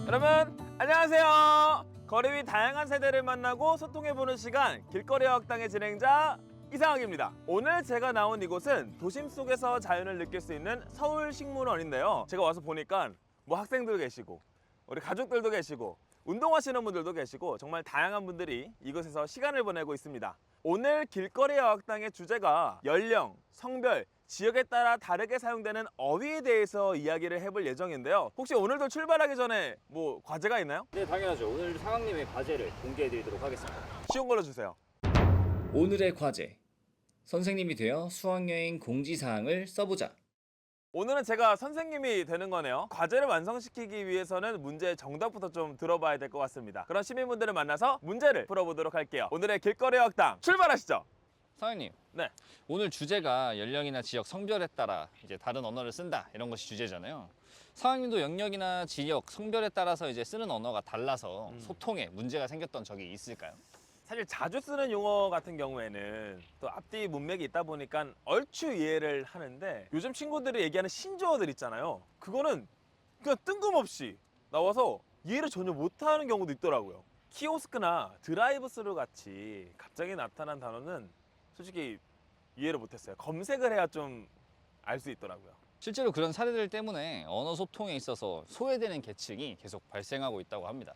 여러분 안녕하세요. 거리 위 다양한 세대를 만나고 소통해보는 시간 길거리 어학당의 진행자 이상학입니다. 오늘 제가 나온 이곳은 도심 속에서 자연을 느낄 수 있는 서울식물원인데요. 제가 와서 보니까 뭐 학생들 계시고 우리 가족들도 계시고 운동하시는 분들도 계시고 정말 다양한 분들이 이곳에서 시간을 보내고 있습니다. 오늘 길거리 어학당의 주제가 연령, 성별, 지역에 따라 다르게 사용되는 어휘에 대해서 이야기를 해볼 예정인데요. 혹시 오늘도 출발하기 전에 뭐 과제가 있나요? 네, 당연하죠. 오늘 상학님의 과제를 공개해드리도록 하겠습니다. 쉬운 걸로 주세요. 오늘의 과제. 선생님이 되어 수학여행 공지사항을 써보자. 오늘은 제가 선생님이 되는 거네요. 과제를 완성시키기 위해서는 문제의 정답부터 좀 들어봐야 될 것 같습니다. 그런 시민분들을 만나서 문제를 풀어보도록 할게요. 오늘의 길거리 어학당 출발하시죠. 상학님, 네. 오늘 주제가 연령이나 지역, 성별에 따라 이제 다른 언어를 쓴다 이런 것이 주제잖아요. 상학님도 영역이나 지역, 성별에 따라서 이제 쓰는 언어가 달라서 소통에 문제가 생겼던 적이 있을까요? 사실 자주 쓰는 용어 같은 경우에는 또 앞뒤 문맥이 있다 보니까 얼추 이해를 하는데 요즘 친구들이 얘기하는 신조어들 있잖아요. 그거는 그냥 뜬금없이 나와서 이해를 전혀 못하는 경우도 있더라고요. 키오스크나 드라이브스루 같이 갑자기 나타난 단어는 솔직히 이해를 못했어요. 검색을 해야 좀 알 수 있더라고요. 실제로 그런 사례들 때문에 언어 소통에 있어서 소외되는 계층이 계속 발생하고 있다고 합니다.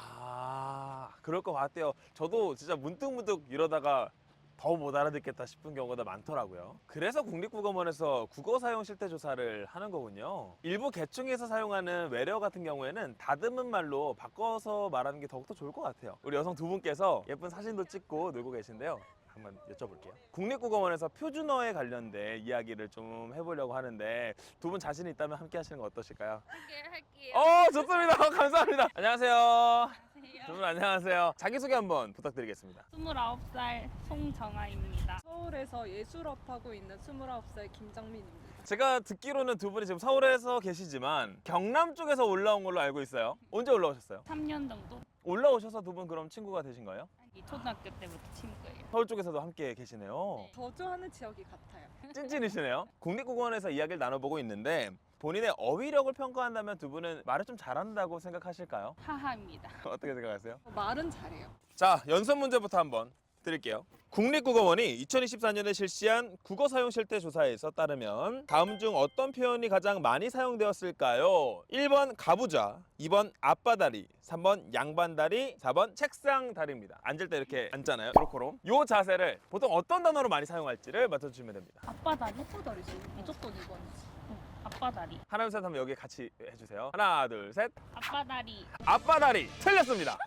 그럴 것 같아요. 저도 진짜 문득문득 이러다가 더 못 알아듣겠다 싶은 경우가 많더라고요. 그래서 국립국어원에서 국어 사용 실태 조사를 하는 거군요. 일부 계층에서 사용하는 외래어 같은 경우에는 다듬은 말로 바꿔서 말하는 게 더욱더 좋을 것 같아요. 우리 여성 두 분께서 예쁜 사진도 찍고 놀고 계신데요. 한번 여쭤볼게요. 국립국어원에서 표준어에 관련된 이야기를 좀 해보려고 하는데 두 분 자신이 있다면 함께 하시는 거 어떠실까요? 할게요. 좋습니다. 감사합니다. 안녕하세요. 두 안녕하세요. 분 안녕하세요. 자기소개 한번 부탁드리겠습니다. 29살 송정아입니다. 서울에서 예술업 하고 있는 29살 김정민입니다. 제가 듣기로는 두 분이 지금 서울에서 계시지만 경남 쪽에서 올라온 걸로 알고 있어요. 언제 올라오셨어요? 3년 정도? 올라오셔서 두 분 그럼 친구가 되신 거예요? 이 초등학교 때부터 친구예요. 서울 쪽에서도 함께 계시네요. 거주하는 지역이 같아요. 찐찐이시네요. 국립국어원에서 이야기를 나눠보고 있는데 본인의 어휘력을 평가한다면 두 분은 말을 좀 잘한다고 생각하실까요? 하하입니다. 어떻게 생각하세요? 말은 잘해요. 자, 연습 문제부터 한번 드릴게요. 국립국어원이 2024년에 실시한 국어 사용 실태 조사에서 따르면 다음 중 어떤 표현이 가장 많이 사용되었을까요? 1번 가부좌, 2번 앞바다리, 3번 양반다리, 4번 책상다리입니다. 앉을 때 이렇게 앉잖아요. 요렇게로. 요 자세를 보통 어떤 단어로 많이 사용할지를 맞춰주시면 됩니다. 앞바다리? 호다리지. 무조건 이거지. 앞바다리. 하나, 둘, 셋 하면 여기 같이 해주세요. 하나, 둘, 셋. 앞바다리. 앞바다리. 틀렸습니다.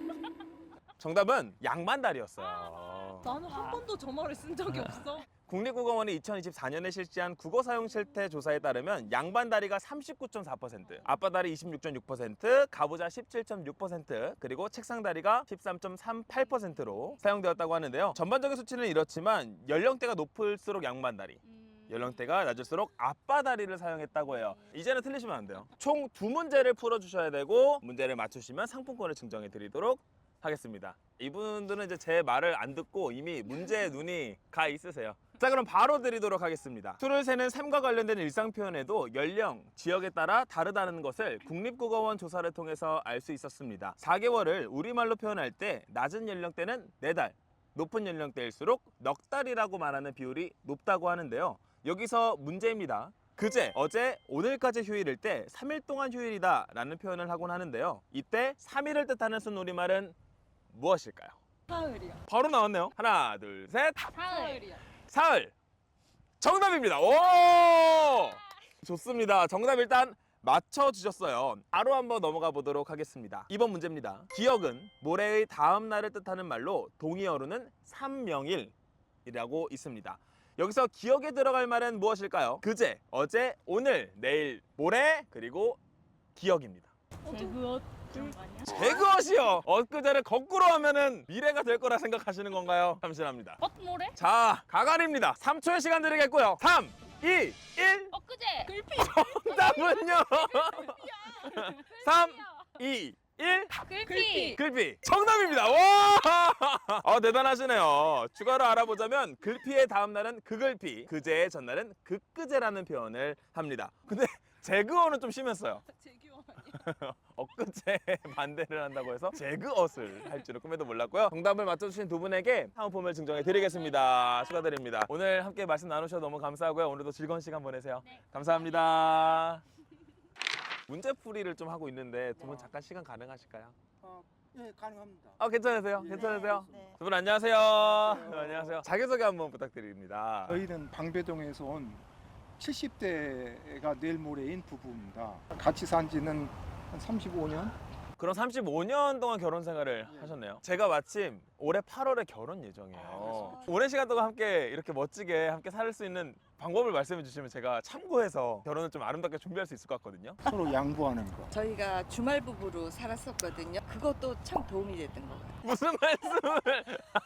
정답은 양반다리였어요. 나는 한 번도 저 말을 쓴 적이 없어. 국립국어원이 2024년에 실시한 국어 사용 실태 조사에 따르면 양반다리가 39.4%, 앞바다리 26.6%, 가부좌 17.6%, 그리고 책상다리가 13.38%로 사용되었다고 하는데요. 전반적인 수치는 이렇지만 연령대가 높을수록 양반다리, 연령대가 낮을수록 앞바다리를 사용했다고 해요. 이제는 틀리시면 안 돼요. 총 2문제를 풀어주셔야 되고 문제를 맞추시면 상품권을 증정해 드리도록 하겠습니다. 이분들은 이제 제 말을 안 듣고 이미 문제에 눈이 가 있으세요. 자, 그럼 바로 드리도록 하겠습니다. 수를 세는 셈과 관련된 일상 표현에도 연령, 지역에 따라 다르다는 것을 국립국어원 조사를 통해서 알 수 있었습니다. 4개월을 우리말로 표현할 때 낮은 연령대는 4달, 높은 연령대일수록 넉 달이라고 말하는 비율이 높다고 하는데요. 여기서 문제입니다. 그제, 어제, 오늘까지 휴일일 때 3일 동안 휴일이다 라는 표현을 하곤 하는데요. 이때 3일을 뜻하는 순우리말은 무엇일까요? 사흘이요. 바로 나왔네요. 하나, 둘, 셋. 사흘이요. 사흘. 정답입니다. 오! 좋습니다. 정답 일단 맞춰주셨어요. 바로 한번 넘어가 보도록 하겠습니다. 이번 문제입니다. 기억은 모레의 다음 날을 뜻하는 말로 동의어로는 삼명일이라고 있습니다. 여기서 기억에 들어갈 말은 무엇일까요? 그제, 어제, 오늘, 내일, 모레, 그리고 기억입니다. 제그옷 그런 거 아니야? 제그엇이요. 엊그제를 거꾸로 하면은 미래가 될 거라 생각하시는 건가요? 잠시합니다. 엇모래? 자, 가관입니다. 3초의 시간 드리겠고요. 3, 2, 1. 엊그제. 글피. 정답은요. 3, 2, 1. 글피. 글피. 정답입니다. 와! 대단하시네요. 추가로 알아보자면 글피의 다음 날은 그글피, 그제의 전날은 그끄제라는 표현을 합니다. 근데 제그어는 좀 심했어요. 제규어. 엊그제 반대를 한다고 해서 재그엇을 할 줄은 꿈에도 몰랐고요. 정답을 맞춰주신 두 분에게 사은품을 증정해 드리겠습니다. 축하드립니다. 오늘 함께 말씀 나누셔서 너무 감사하고요. 오늘도 즐거운 시간 보내세요. 네. 감사합니다. 문제풀이를 좀 하고 있는데 두 분 잠깐 시간 가능하실까요? 네, 가능합니다. 괜찮으세요? 괜찮으세요? 네. 두 분 안녕하세요. 네, 안녕하세요. 자기소개 한번 부탁드립니다. 저희는 방배동에서 온 70대가 내일 모레인 부부입니다. 같이 산 지는 한 35년? 그럼 35년 동안 결혼 생활을 예. 하셨네요. 제가 마침 올해 8월에 결혼 예정이에요. 그렇습니까? 오랜 시간 동안 함께 이렇게 멋지게 함께 살 수 있는 방법을 말씀해 주시면 제가 참고해서 결혼을 좀 아름답게 준비할 수 있을 것 같거든요. 서로 양보하는 거. 저희가 주말 부부로 살았었거든요. 그것도 참 도움이 됐던 것 같아요. 무슨 말씀을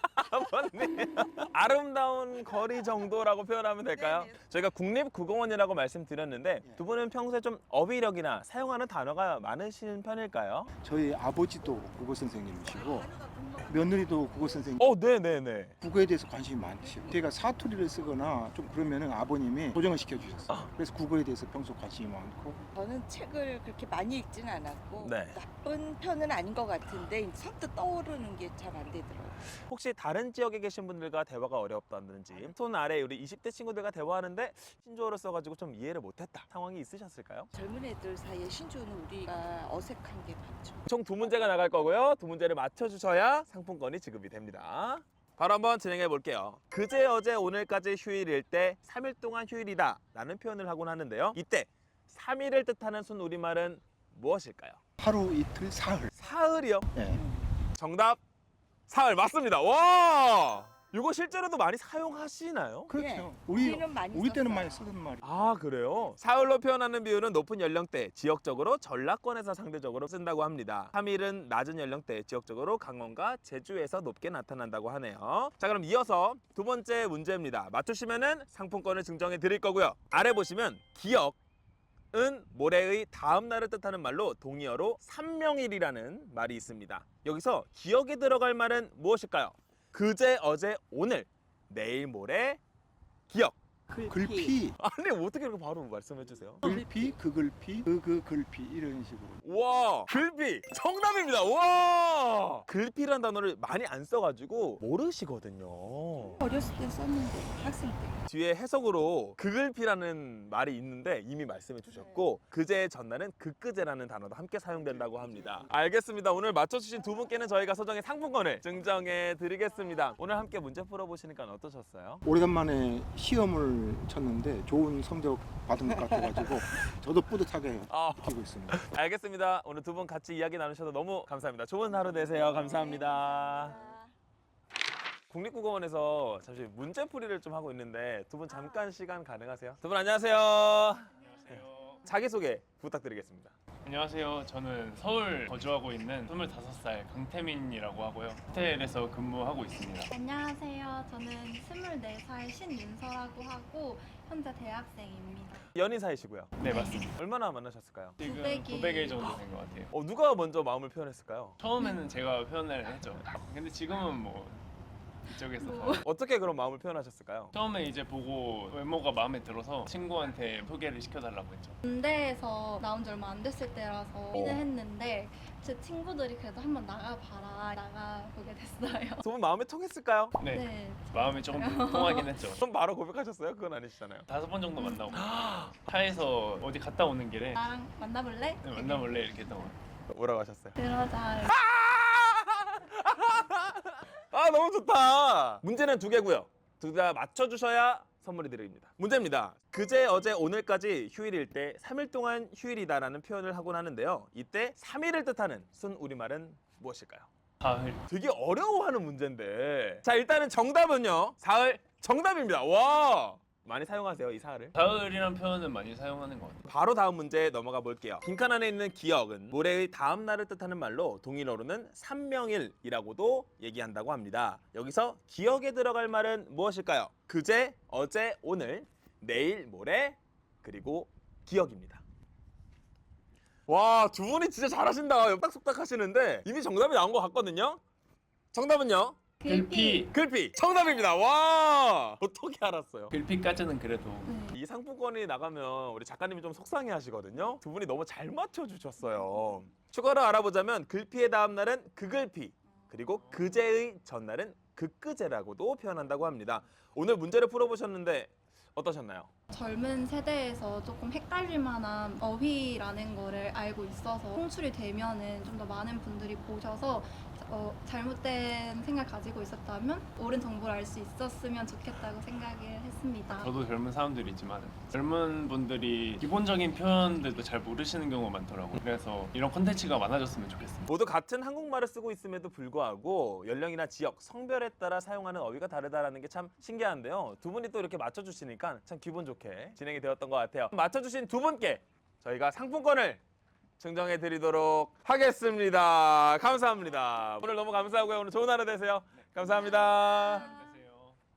아버님 아름다운 거리 정도라고 표현하면 될까요? 네네. 저희가 국립국어원이라고 말씀드렸는데 예. 두 분은 평소에 좀 어휘력이나 사용하는 단어가 많으신 편일까요? 저희 아버지도 국어 선생님이시고 며느리도 국어 선생님. 네네네. 국어에 대해서 관심이 많으시고 제가 사투리를 쓰거나 좀 그러면은 아버님이 조정을 시켜주셨어요. 그래서 국어에 대해서 평소 관심이 많고. 저는 책을 그렇게 많이 읽지는 않았고 네. 나쁜 편은 아닌 것 같은데 선뜻 떠오르는 게 잘 안 되더라고요. 혹시 다른 지역에 계신 분들과 대화가 어렵다든지 손 아래 우리 20대 친구들과 대화하는데 신조어를 써가지고 좀 이해를 못했다 상황이 있으셨을까요? 젊은 애들 사이에 신조어는 우리가 어색한 게 많죠. 총 두 문제가 나갈 거고요. 두 문제를 맞춰주셔야 상품권이 지급이 됩니다. 바로 한번 진행해 볼게요. 그제 어제 오늘까지 휴일일 때 3일 동안 휴일이다 라는 표현을 하곤 하는데요. 이때 3일을 뜻하는 순 우리말은 무엇일까요? 하루 이틀 사흘. 사흘이요. 네. 정답 사흘 맞습니다. 와 이거 실제로도 많이 사용하시나요? 그렇죠. 네. 우리 우리는 많이 우리 때는 썼어요. 많이 쓰던 말이. 아 그래요? 사흘로 표현하는 비율은 높은 연령대, 지역적으로 전라권에서 상대적으로 쓴다고 합니다. 3일은 낮은 연령대, 지역적으로 강원과 제주에서 높게 나타난다고 하네요. 자 그럼 이어서 두 번째 문제입니다. 맞추시면은 상품권을 증정해 드릴 거고요. 아래 보시면 기억은 모레의 다음 날을 뜻하는 말로 동의어로 삼명일이라는 말이 있습니다. 여기서 기억에 들어갈 말은 무엇일까요? 그제, 어제, 오늘, 내일, 모레, 기억. 글피, 아니 어떻게 이렇게 바로 말씀해 주세요? 글피, 그 글피, 그 글피 이런 식으로. 와 글피 정답입니다. 와 글피란 단어를 많이 안 써가지고 모르시거든요. 어렸을 때 썼는데 학생 때. 뒤에 해석으로 그글피라는 말이 있는데 이미 말씀해 주셨고 그제 전날은 그끄제라는 단어도 함께 사용된다고 합니다. 알겠습니다. 오늘 맞춰주신 두 분께는 저희가 소정의 상품권을 증정해 드리겠습니다. 오늘 함께 문제 풀어보시니까 어떠셨어요? 오래간만에 시험을 쳤는데 좋은 성적 받은 것 같아가지고 저도 뿌듯하게 느끼고 있습니다. 알겠습니다. 오늘 두 분 같이 이야기 나누셔서 너무 감사합니다. 좋은 하루 되세요. 감사합니다. 국립국어원에서 잠시 문제풀이를 좀 하고 있는데 두 분 잠깐 시간 가능하세요? 두 분 안녕하세요. 안녕하세요. 자기소개 부탁드리겠습니다. 안녕하세요. 저는 서울 거주하고 있는 25살 강태민이라고 하고요. 호텔에서 근무하고 있습니다. 안녕하세요. 저는 24살 신윤서라고 하고 현재 대학생입니다. 연인 사이시고요. 네, 맞습니다. 얼마나 만나셨을까요? 지금 900일. 900일 정도 된 것 같아요. 누가 먼저 마음을 표현했을까요? 처음에는 제가 표현을 했죠. 근데 지금은 뭐 이쪽에서 더. 어떻게 그런 마음을 표현하셨을까요? 처음에 이제 보고 외모가 마음에 들어서 친구한테 소개를 시켜달라고 했죠. 군대에서 나온 지 얼마 안 됐을 때라서 고민을 했는데 제 친구들이 그래도 한번 나가봐라 나가보게 됐어요. 두 분 마음이 통했을까요? 네, 마음이 조금 통하긴 했죠. 그럼 바로 고백하셨어요? 그건 아니시잖아요. 5번 정도 만나고 차에서 어디 갔다 오는 길에 나랑 만나볼래? 네, 만나볼래 이렇게 했던 것 같아요. 뭐라고 하셨어요? 그러자. 아 너무 좋다. 문제는 두 개고요. 둘 다 맞춰주셔야 선물이 드립니다. 문제입니다. 그제 어제 오늘까지 휴일일 때 3일 동안 휴일이다라는 표현을 하곤 하는데요. 이때 3일을 뜻하는 순 우리말은 무엇일까요? 사흘. 되게 어려워하는 문제인데 자 일단은 정답은요. 사흘 정답입니다. 와 많이 사용하세요 이 사흘을. 사흘이란 표현은 많이 사용하는 것 같아요. 바로 다음 문제 넘어가 볼게요. 빈칸 안에 있는 기억은 모레의 다음 날을 뜻하는 말로 동일어로는 삼명일이라고도 얘기한다고 합니다. 여기서 기억에 들어갈 말은 무엇일까요? 그제, 어제, 오늘, 내일, 모레, 그리고 기억입니다. 와, 두 분이 진짜 잘하신다. 속닥속닥 하시는데 이미 정답이 나온 것 같거든요. 정답은요? 글피. 글피 정답입니다. 와, 어떻게 알았어요? 글피까지는 그래도 네. 이 상품권이 나가면 우리 작가님이 좀 속상해 하시거든요. 두 분이 너무 잘 맞춰주셨어요. 추가로 알아보자면 글피의 다음 날은 그글피, 그리고 그제의 전날은 그끄제라고도 표현한다고 합니다. 오늘 문제를 풀어보셨는데 어떠셨나요? 젊은 세대에서 조금 헷갈릴 만한 어휘라는 거를 알고 있어서 송출이 되면은 좀 더 많은 분들이 보셔서 잘못된 생각 가지고 있었다면 옳은 정보를 알 수 있었으면 좋겠다고 생각을 했습니다. 저도 젊은 사람들이지만 젊은 분들이 기본적인 표현들도 잘 모르시는 경우가 많더라고요. 그래서 이런 콘텐츠가 많아졌으면 좋겠습니다. 모두 같은 한국말을 쓰고 있음에도 불구하고 연령이나 지역, 성별에 따라 사용하는 어휘가 다르다는 게 참 신기한데요. 두 분이 또 이렇게 맞춰주시니까 참 기분 좋게 진행이 되었던 것 같아요. 맞춰주신 두 분께 저희가 상품권을 증정해 드리도록 하겠습니다. 감사합니다. 오늘 너무 감사하고요. 오늘 좋은 하루 되세요. 감사합니다. 안녕하세요.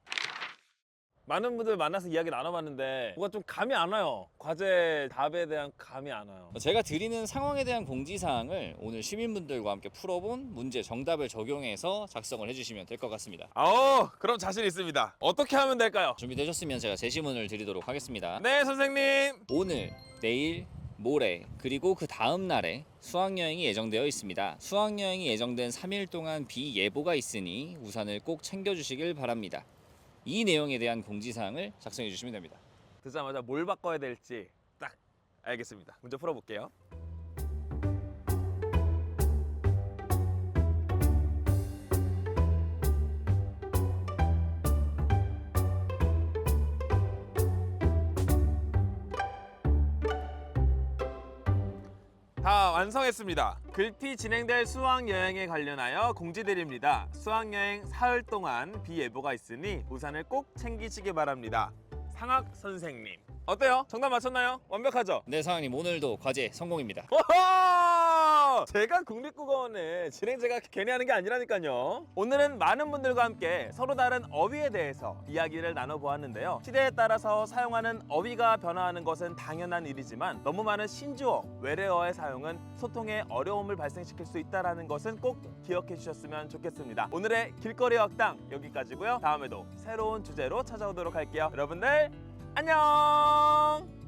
많은 분들 만나서 이야기 나눠봤는데 뭐가 좀 감이 안 와요. 과제 답에 대한 감이 안 와요. 제가 드리는 상황에 대한 공지사항을 오늘 시민분들과 함께 풀어본 문제 정답을 적용해서 작성을 해주시면 될 것 같습니다. 그럼 자신 있습니다. 어떻게 하면 될까요? 준비되셨으면 제가 제시문을 드리도록 하겠습니다. 네, 선생님. 오늘, 내일, 모레, 그리고 그 다음 날에 수학여행이 예정되어 있습니다. 수학여행이 예정된 3일 동안 비 예보가 있으니 우산을 꼭 챙겨주시길 바랍니다. 이 내용에 대한 공지사항을 작성해 주시면 됩니다. 듣자마자 뭘 바꿔야 될지 딱 알겠습니다. 문제 풀어볼게요. 다 완성했습니다. 글피 진행될 수학여행에 관련하여 공지드립니다. 수학여행 사흘 동안 비 예보가 있으니 우산을 꼭 챙기시기 바랍니다. 상학 선생님. 어때요? 정답 맞췄나요? 완벽하죠? 네, 사장님 오늘도 과제 성공입니다. 오호! 제가 국립국어원의 진행자가 괜히 하는 게 아니라니까요. 오늘은 많은 분들과 함께 서로 다른 어휘에 대해서 이야기를 나눠보았는데요. 시대에 따라서 사용하는 어휘가 변화하는 것은 당연한 일이지만 너무 많은 신주어, 외래어의 사용은 소통에 어려움을 발생시킬 수 있다는 것은 꼭 기억해 주셨으면 좋겠습니다. 오늘의 길거리 학당 여기까지고요. 다음에도 새로운 주제로 찾아오도록 할게요. 여러분들 안녕!